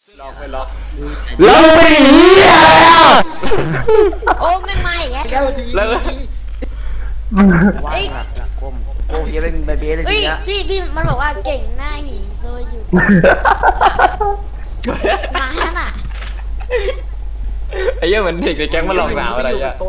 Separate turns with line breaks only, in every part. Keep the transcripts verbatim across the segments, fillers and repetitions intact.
ล็อกไม่ล็อก
แล้วไม่เหี้ยอะไรอ่ะ
โอ้ไม่มาอีกแล้ว
แล้ว
เฮ้ย
ก้มโอ้ยเป็นใบเบี้ยเลย
เฮ้ย
ทีเนี้ย
พี่พี่มันบอกว่าเก่งหน้าหินโดยอยู่มาฮะน่ะ
ไอ้เหี้ยเหมือนเด็กในแก๊งมาหลอกสาวอะไรอ่ะ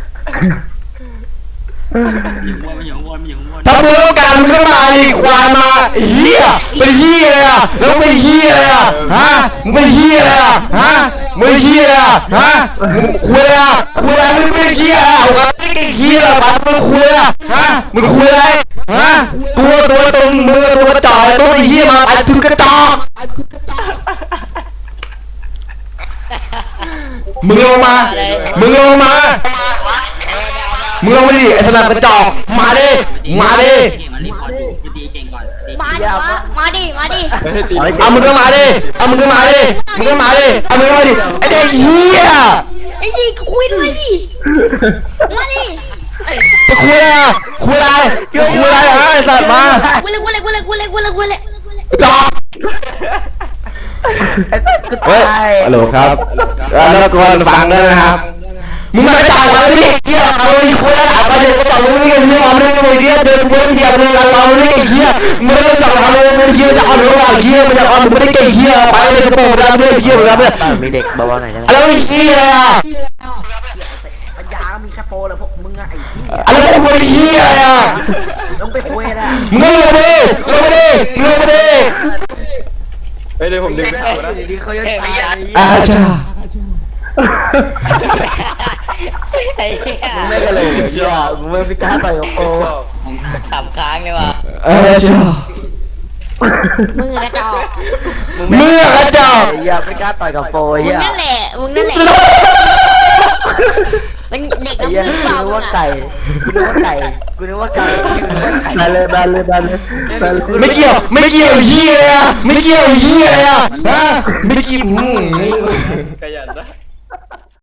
ถ้ามึงต้องการมึงก็มาดิควายมาไอ้เหี้ยเป็นเหี้ยอะไรอ่ะแล้วเป็นเหี้ยอะไรอ่ะฮะมึงเป็นเหี้ยอะไรอ่ะฮะมึงเป็นเหี้ยอะไรอ่ะฮะมึงคุยอะไรอ่ะคุยอะไรมึงเป็นเหี้ยอะไรวะไม่เป็นเหี้ยอะไรวะมึงคุยอะไรฮะมึงคุยอะไรฮะตัวตัวตรงมือตัวจ่อยตัวไอ้เหี้ยมาไอ้ถึงกระจอกมึงลงมามึงลงมามึงลงมาดิไอ้สนามกระจอกมาดิมาดิ
มาดิมามาดิมาดิ
ไม่ให้ตี
เอามึงก็มาดิเอามึงก็มาดิมึงก็มาดิเอามึงก็มาดิไอ้เด็กเหี้ย
ไอ้ดิคุยด้วยดิมาดิ
จะคุยอะไรอ่ะคุยอะไรคุยอะไรฮะไอ้สัตว์มา
กูเลยกูเลยกูเลยกูเลยกูเลยกูเลย
กระจอก
ไอ้สัตว์ก็
เฮ้ย
ตาย
ฮัลโหลครับแล้วก็ฟังด้วยนะครับมึงมาจ่ายเราดิเหี้ยเอาดิคุยอะไรไปเด็กกระจอกมึงไม่เรื่องมึงไม่เรื่องเดินเดินเที่ยวมึงเราไม่ได้เหี้ยมึงไม่ได้จ่ายเราไม่ได้เหี้ยจะเอาหรือว่าเหี้ยมึงจะเอามึงไม่ได้เก่งเหี้ยไปเลยกระโปรงแล้วไม่ได้เหี้ยแล้วเนี่ย
มีเด็กเบาๆหน่อยได้ไหม
อะไรเหี้ยอ่ะ
ปัญญามีแค่โปรเลยพวกมึงอะไอ้ที่
อะไรพวกเหี้ยอ่ะ
ต้องไปคุยนะ
มึงลงมาดิลงมาดิลงมาดิ
เฮ้ยเดี๋ยวผมดึงเขานะ
ดีเขาจะตาย
อาชา
ไอ้เหี้ย
มึงไม่กระโหลกเหี้ยมึงไม่พิการต่อยกับโปร
ขำค้างเลยว่ะ
อาชา
มึงกระจอก
เมื่อกระจอก
เหี้ยไม่กล้าต่อยกับโปร
มึง
เหี้ย
นั่นแหละมึงนั่นแหละเป็นเด็ก
ไอ้
น้ำ
เหี้ย
พึ่ง
กู
เปล่า
นึก
มึง
ว่า
อะ
ไก่กูนึกว่าไก่กูนึกว่าไก่กูนึกว่าไก่
ได้เลยได้เลยได้เลยได้เลย
ไม่เกี่ยวไม่เกี่ยวเหี้ยเลยอ่ะไม่เกี่ยวเหี้ยเลยอ่ะฮะไม่เกี่ยว
ขยันนะ